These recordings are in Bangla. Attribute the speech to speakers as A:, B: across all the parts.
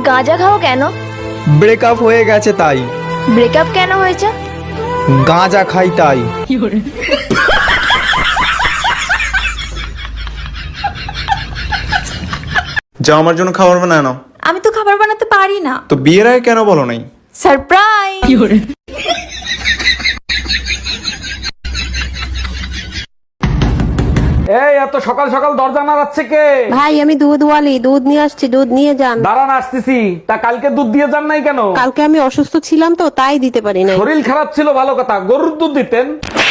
A: গাঁজা খাও কেন?
B: ব্রেকআপ হয়ে গেছে তাই।
A: ব্রেকআপ কেন হয়েছে?
B: গাঁজা খাই তাই। যা আমার জন্য খাবার বানায় নাও।
A: আমি তো খাবার বানাতে পারি না।
B: তো বিয়ের আগে কেন বলো নাই?
A: সারপ্রাইজ।
C: এই এত সকাল সকাল দরজা নাড়াচ্ছে কে?
D: ভাই আমি দুধওয়ালি, দুধ নিয়ে আসছি, দুধ নিয়ে যান।
C: দাঁড়ান আসতেছি। তা কালকে দুধ দিয়ে যান নাই কেন?
D: কালকে আমি অসুস্থ ছিলাম তো তাই দিতে পারি নাই।
C: শরীর খারাপ ছিল ভালো কথা, গরুর দুধ দিতেন।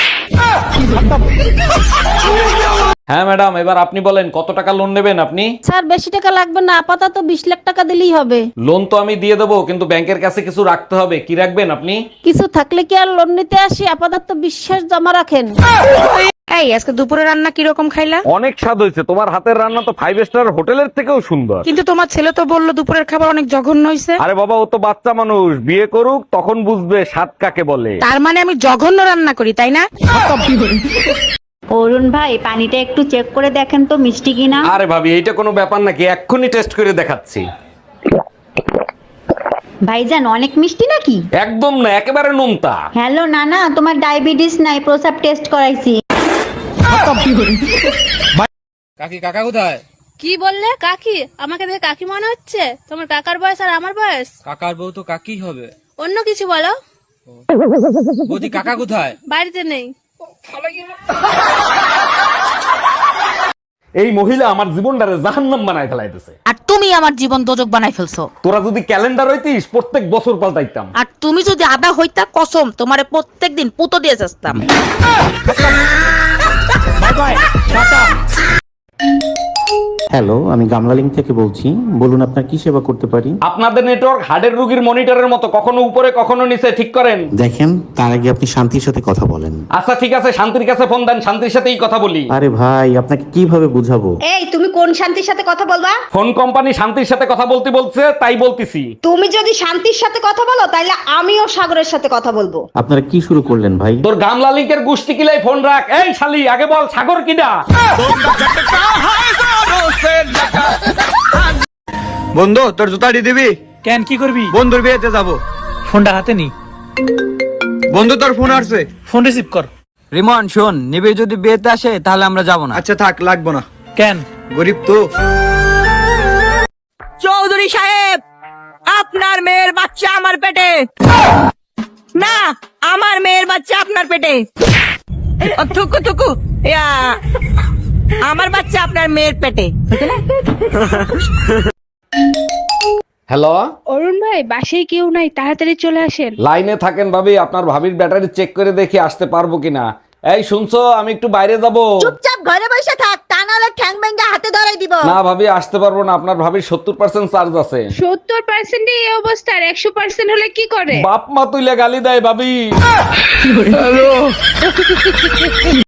C: হ্যাঁ ম্যাডাম, এবার আপনি বলেন কত টাকা লোন নেবেন আপনি?
D: স্যার বেশি টাকা লাগবে না, আপাতত 20 লাখ টাকা দিলেই হবে।
C: লোন তো আমি দিয়ে দেবো, কিন্তু ব্যাংকের কাছে কিছু রাখতে হবে। কি রাখবেন আপনি?
D: কিছু থাকলে কি আর লোন নিতে আসি? আপাতত বিশ্বাস জমা রাখেন।
E: এই আজকে দুপুরে রান্না কিরকম খাইলা?
C: অনেক স্বাদ হয়েছে। তোমার হাতের রান্না তো 5 স্টার হোটেলের থেকেও সুন্দর।
E: কিন্তু তোমার ছেলে তো বললো দুপুরের খাবার অনেক জঘন্য হয়েছে।
C: আরে বাবা, ও তো বাচ্চা মানুষ, বিয়ে করুক তখন বুঝবে স্বাদ কাকে বলে।
E: তার মানে আমি জঘন্য রান্না করি, তাই না?
F: অরুণ ভাই, পানিটা একটু চেক করে দেখেন তো মিষ্টি কিনা।
C: আরে ভাবি, এইটা কোনো ব্যাপার নাকি? এক্ষুনি টেস্ট করে দেখাচ্ছি।
F: ভাইজান অনেক মিষ্টি নাকি?
C: একদম না, একেবারে নোনতা।
F: হ্যালো নানা, তোমার ডায়াবেটিস নাই, প্রসাব টেস্ট করাইছি।
G: কি বললে? কাকি? আমাকে দেখে কাকি মনে হচ্ছে? তোমার কাকার বয়স আর আমার বয়স?
H: কাকার বউ তো কাকি হবে।
G: অন্য কিছু বলো।
H: বৌদি কাকা কোথায়?
G: বাড়িতে নেই।
C: এই মহিলা আমার জীবনটারে জাহান্নাম বানায় ফেলাইতেছে।
E: আর তুমি আমার জীবন দোজক বানাই ফেলছো।
C: তোরা যদি ক্যালেন্ডার হইতিস প্রত্যেক বছর পাল্টাইতাম।
E: আর তুমি যদি আদা হইতা কসম তোমারে প্রত্যেকদিন পুতো দিয়ে যাস্তাম।
I: হ্যালো, আমি গামলালিং থেকে বলছি। বলুন আপনার কি সেবা করতে পারি?
C: আপনাদের নেটওয়ার্ক হার্টের রোগীর মনিটরের মতো, কখনো উপরে কখনো নিচে, ঠিক করেন।
I: দেখেন, তার আগে আপনি শান্তির সাথে কথা বলেন।
C: আচ্ছা ঠিক আছে, শান্তির কাছে ফোন দেন, শান্তির সাথেই কথা বলি।
I: আরে ভাই, আপনাকে কিভাবে বুঝাবো?
J: এই তুমি কোন শান্তির সাথে কথা বলবা?
C: ফোন কোম্পানি শান্তির সাথে কথা বলতে বলছে, তাই বলতেছি।
J: তুমি যদি শান্তির সাথে কথা বলো তাহলে আমিও সাগরের সাথে কথা বলবো।
I: আপনারা কি শুরু করলেন ভাই?
C: তোর গামলা লিঙ্কের গুষ্টি কিলাই ফোন রাখ। এই শালি, আগে বল সাগর কিডা?
B: বন্ধু, তোর জুতাটি দিবি?
H: কেন, কি করবি?
B: বন্ধুর বিয়েতে যাবো।
H: ফোনটা হাতে নি।
B: বন্ধু, তোর ফোন আসছে।
H: ফোন রিসিভ কর।
B: রিমন শোন, নিবিড় যদি বিয়েতে আসে তাহলে আমরা যাবো না। আচ্ছা থাক, লাগবো না।
H: কেন?
B: গরিব তো।
E: চৌধুরী সাহেব, আপনার মেয়ের বাচ্চা আমার পেটে। না, আমার মেয়ের বাচ্চা আপনার পেটে। থুকু থুকু, আমার বাচ্চা আপনার মেয়ের পেটে।
C: হ্যালো
G: অরুণ ভাই, বাসায় কেউ নাই, তাড়াতাড়ি চলে আসেন।
C: লাইনে থাকেন ভাবি, আপনার ভাবির ব্যাটারি চেক করে দেখি আসতে পারবো কিনা। এই শুনছো, আমি একটু বাইরে যাব।
J: চুপচাপ ঘরে বসে থাক, তা নাহলে ঠ্যাং ভেঙে হাতে ধরাই দিব।
C: না ভাবি, আসতে পারবো না, আপনার ভাবির 70% চার্জ আছে।
G: 70% এই অবস্থা, আর 100% হলে কি করে?
C: বাপ মা তুইলে গালি দেয় ভাবি।